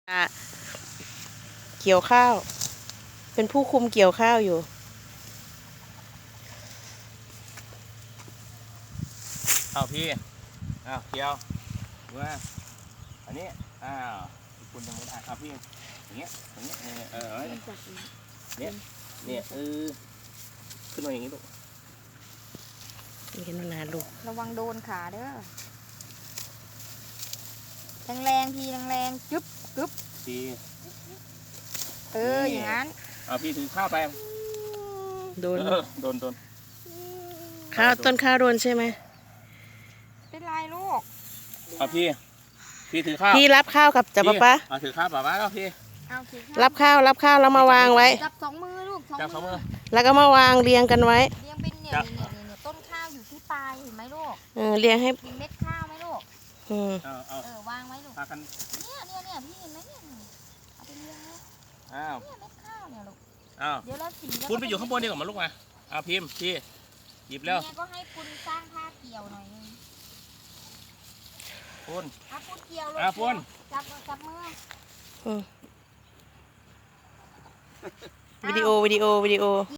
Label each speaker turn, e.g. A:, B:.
A: เกี่ยวข้าวเป็นผู้คุมเกี่ยวข้าวอยู่
B: พี่เกี่ยวว่าอันนี้คุณยังไม่ได้พี่อย่างเงี้ยเนี่ยขึ้นมาอย่างงี้ลูก
A: เห็นนานลูก
C: ระวังโดนขาเด้อแรงๆทีแรงๆจึ๊บ
B: ที
C: อย่างนั้น
B: พี่ถือข้าวไป
A: โดน
B: ข้าว
A: ต้นข้าวโดนใช่ไหม
C: เป็นไรลูก
B: พี่ถือข้าว
A: พี่รับข้าวกับจับป๊า
B: ถือข้าวป๊าก็พี่
A: รับข้าวแล้วมาวางไว้
C: จับสองมือลูก
B: จับสองมือ
A: แล้วก็มาวางเรียงกันไว้
C: เรียงเป็นเนี่ยต้นข้าวอยู่ที่ปลายเห็นไหมลูก
A: เรียงให้
C: มีเม็ดข้าวไหมลูกวางไว้ลูกเนี่ยพี่เห็นไหมเนี่ยเอาไปเรียงเลยเนี่ยเม็ดข้าวเนี่ยลูกเดี๋ยวเราสี
B: คุณไปอยู่ข้างบนดีกว่ามาลูกมาพิมพ์พี่หยิบแล้ว
C: เนี่ยก็ให้คุณสร้างท่าเกี่ยวหน่อยนึง
B: คุณ
C: เกี่ยวเลย
B: คุณ
C: จับมือ
A: วิดีโอ